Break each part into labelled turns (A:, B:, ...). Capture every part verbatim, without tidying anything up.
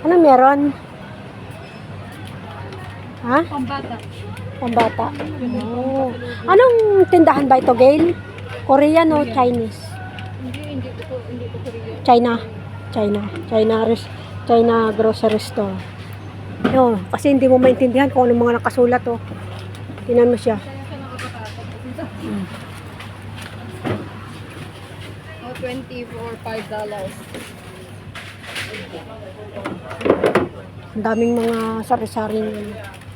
A: Ano meron? Ha?
B: Pambata.
A: Pambata. Oh. Anong tindahan ba ito, Gail? Korean o Chinese?
B: Hindi, hindi ko hindi ko Korean.
A: China. China. China res China grocery store. Yo, kasi hindi mo maintindihan kung anong mga nakasulat oh. Tingnan mo siya.
B: Kaya ka nakakatakot.
A: Hmm.
B: Oh, twenty for five dollars.
A: Ang daming mga sari-saring ano.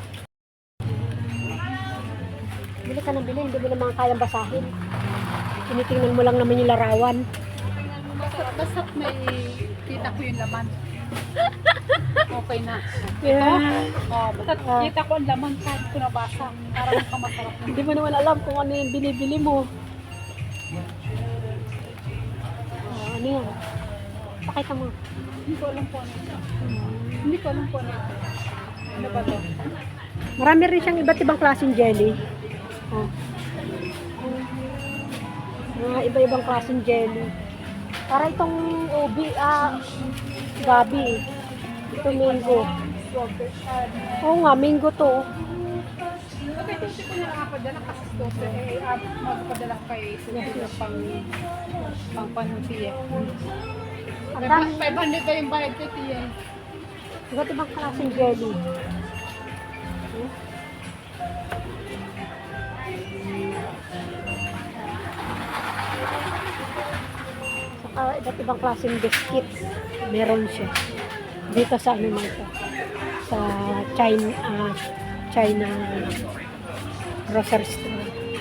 A: Bili ka ng bili, hindi mo naman kayang basahin. Tinitingnan mo lang naman yung larawan.
B: Basta, basta may kita ko yung laman. Okay na.
A: Yeah.
B: Oh, basta
A: Ah.
B: kita ko ang laman kahit ko nabasa. Parang nakamasarap.
A: Hindi mo naman alam kung ano yung binibili mo. Ah, ano yan? Pakita mo.
B: Hindi ko alam po ano ito. Hindi ko alam po ano ito. Ano ba ito?
A: Marami rin siyang iba't ibang klaseng jelly. Oh. Mga iba-ibang klaseng jelly. Para itong ubi, ah, gabi. Ito mango. Oo nga, mango to.
B: Okay, ito ko na nakapadala kasi ito. Eh, uh, magpadala ko kay Susi pang pang panuti eh.
A: Ang dami.
B: five hundred ba yung bayad ko, Tia?
A: Iba't ibang klaseng jelly. Hmm? Saka iba't ibang klaseng biscuit. Meron siya. Dito sa ano na ito. Sa China, ah, China grocery store.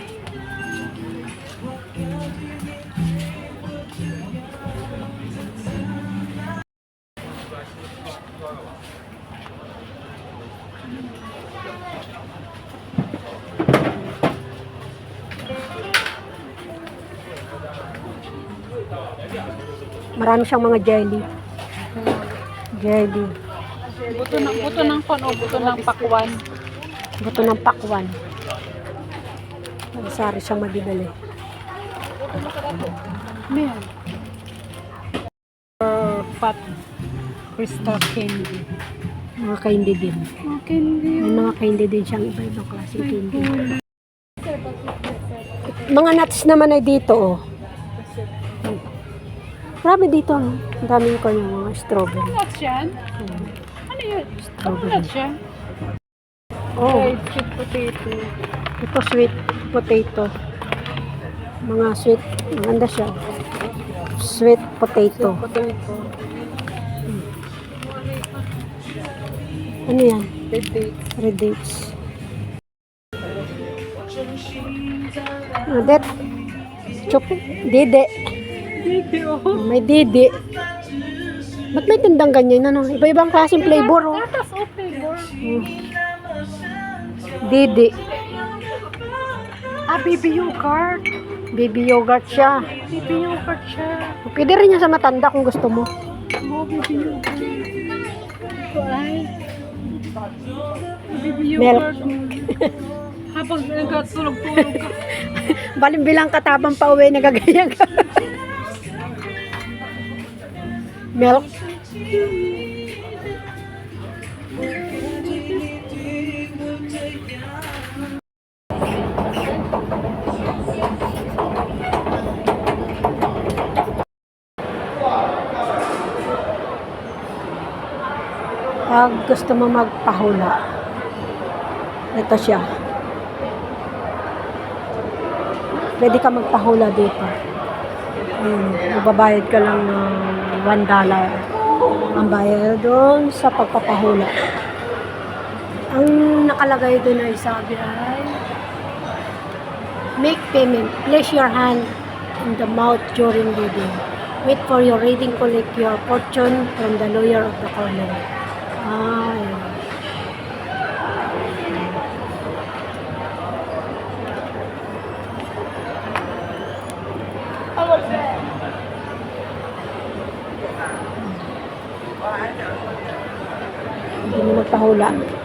A: Marami siyang mga jelly. Jelly.
B: Buto ng buto ng kon o buto ng pakwan.
A: Buto ng pakwan. Sari siyang mabibili.
B: Ano yan? Or fat crystal candy.
A: Mga candy din.
B: Oh, candy.
A: May mga candy din siyang iba-ibang klaseng candy. Mga nuts naman ay dito oh. Marami dito. No? Ang daming ko yung mga strawberry.
B: Nuts yan?
A: Hmm.
B: Ano yun?
A: Strawberry.
B: Nuts yan?
A: Oh,
B: Fried sweet potato.
A: ito sweet potato. Mga sweet. Maganda siya. Sweet potato.
B: Potato.
A: Ano yan?
B: Red dates.
A: Red dates. Ano det? Chup. Dede.
B: Video.
A: May dede. Ba't may tindang ganyan? Ano? Iba-ibang klaseng flavor. Oh.
B: Tatas o flavor.
A: Hmm. Dede.
B: Ah, baby yogurt.
A: Baby yogurt siya.
B: Baby yogurt siya.
A: Pwede rin yan sa matanda kung gusto mo.
B: Oh, baby yogurt. Ito ay baby
A: Milk.
B: yogurt. Habang nagkatulog-tulog ka.
A: Balimbilang katabang pa uwi, nagagayang ka. Milk. Pag gusto mo magpahula, ito siya. Pwede ka magpahula dito. Ayun, magbabayad ka lang ng one dollar. Ang bayad doon sa pagpapahula. Ang nakalagay doon ay sabi ay make payment. Place your hand in the mouth during reading. Wait for your reading. Collect your fortune from the lawyer of the corner. Ah, ayun. Hindi mo magpahula.